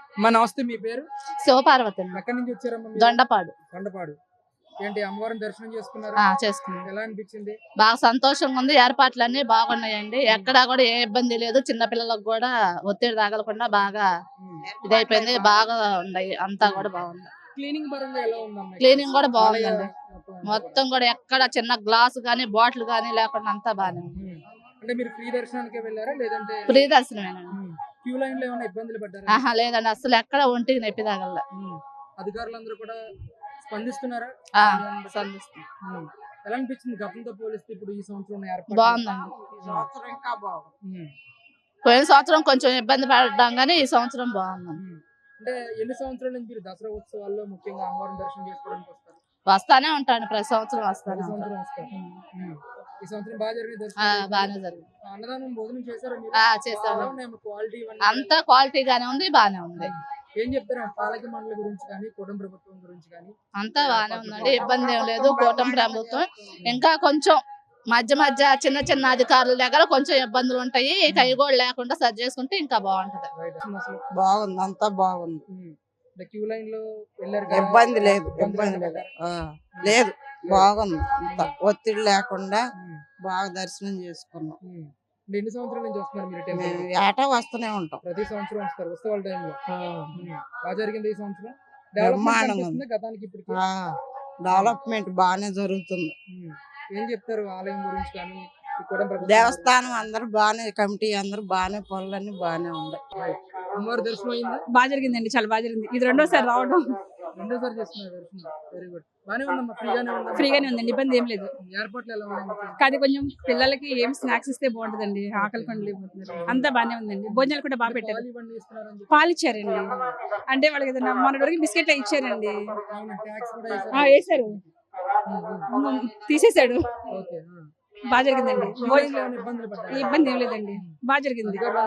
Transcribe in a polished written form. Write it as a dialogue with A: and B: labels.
A: నమస్తే, మీ పేరు?
B: శివపార్వతి అండి.
A: ఎక్కడి నుంచి వచ్చారమ్మా మీరు?
B: దొండపాడు.
A: కొండపాడు. ఏంటి అమ్మవారిని దర్శనం చేసుకున్నారా?
B: చేసుకున్నాం.
A: ఎలా అనిపించింది?
B: బాగా సంతోషంగా ఉంది. ఏర్పాట్లన్నీ బాగున్నాయండి. ఎక్కడా కూడా ఏ ఇబ్బంది లేదు. చిన్న పిల్లలకు కూడా ఒత్తిడి తగలకుండా బాగా ఇదైపోయింది. బాగా ఉన్నాయి. అంతా కూడా బాగుంది.
A: క్లీనింగ్ పరంగా ఎలా ఉందమ్మా?
B: క్లీనింగ్ కూడా బాగుందండి. మొత్తం కూడా ఎక్కడ చిన్న గ్లాస్ గానీ బాటిల్ గానీ లేకుండా అంతా బాగానే ఉంది.
A: అంటే మీరు ఫ్రీ దర్శనానికే వెళ్ళారా లేదంటే?
B: ఫ్రీ దర్శనమేనండి.
A: క్యూ లైన్ లో ఏమైనా ఇబ్బందులు పడ్డారా?
B: లేదండి, అసలు ఎక్కడ ఒంటికి నొప్పి తగల.
A: అధికారులందరూ కూడా స్పందిస్తున్నారా?
B: సందిస్తాం.
A: ఎలా అనిపించింది గతంతో పోలిస్తే ఇప్పుడు ఈ సంవత్సరం ఏర్పాటు?
B: బాగుందండి.
A: ఇంకా బాగుంది.
B: పోయిన సంవత్సరం కొంచెం ఇబ్బంది పడ్డాం గానీ ఈ సంవత్సరం బాగుందండి.
A: అంటే ఎన్ని సంవత్సరాల నుంచి మీరు దసరా ఉత్సవాల్లో ముఖ్యంగా అమ్మవారిని దర్శనం చేసుకోవడానికి వస్తారు?
B: వస్తానే ఉంటాను, ప్రతి సంవత్సరం వస్తాను.
A: ఈ సంవత్సరం బాగా జరిగింది దర్శనం?
B: బాగానే జరిగింది.
A: అన్నదానం భోజనం చేశారా మీరు?
B: చేసాము.
A: క్వాలిటీ
B: అంతా క్వాలిటీగానే ఉంది, బాగానే ఉంది.
A: ఏం చెప్తారా పాలక మండలి గురించి కానీ కూటమి ప్రభుత్వం గురించి కానీ?
B: అంతా బాగానే ఉందండి, ఇబ్బంది ఏం లేదు. కూటమి ప్రభుత్వం ఇంకా కొంచెం మధ్య మధ్య చిన్న చిన్న అధికారుల దగ్గర కొంచెం ఇబ్బందులు ఉంటాయి. అవి కూడా లేకుండా సరి చేసుకుంటే ఇంకా బాగుంటది.
C: బాగుంది, అంతా బాగుంది.
A: క్యూ లైన్ లో వెళ్ళారు,
C: ఇబ్బంది లేదు. లేదు, బాగుంది. అంతా ఒత్తిడి లేకుండా బాగా దర్శనం చేసుకున్నాం.
A: ఎన్ని సంవత్సరాల నుంచి వస్తున్నారు మీరు?
C: మేము ఏటా వస్తూనే ఉంటాం.
A: ప్రతి సంవత్సరం వస్తారు ఉత్సవాల టైంలో. బాగా జరిగింది ఈ సంవత్సరం.
C: బ్రహ్మాండంగా ఉంది.
A: గతానికి ఇప్పటికి
C: డెవలప్మెంట్ బాగానే జరుగుతుంది.
A: ఏం చెప్తారు ఆలయం గురించి కానీ
C: దేవస్థానం అందరు బాగానే, కమిటీ అందరు బాగానే, పనులన్నీ బాగానే ఉన్నాయి.
A: అమ్మవారి దర్శనం అయిందా?
D: బాగా జరిగిందండి, చాలా బాగా జరిగింది. ఇది రెండోసారి రావడం.
A: రెండోసారి చేస్తున్నారు దర్శనం. Very good. బాగానే ఉందమ్మా, ఫ్రీగానే ఉందా?
D: ఫ్రీగానే ఉందండి, ఇబ్బంది ఏం లేదు.
A: ఏర్పాట్లు ఎలా ఉన్నాయి?
D: కానీ కొంచెం పిల్లలకి ఏం స్నాక్స్ ఇస్తే బాగుంటదండి, ఆకలి పండుగ అంతా బాగానే ఉందండి. భోజనాలు కూడా బాగా పెట్టారు. పాలు ఇచ్చారండి, అంటే వాళ్ళకి ఏదైనా మొన్నటి వరకు బిస్కెట్లు ఇచ్చారండి. వేసారు, తీసేసాడు. బాగా జరిగిందండి. ఇబ్బంది ఏం లేదండి, బాగా జరిగింది.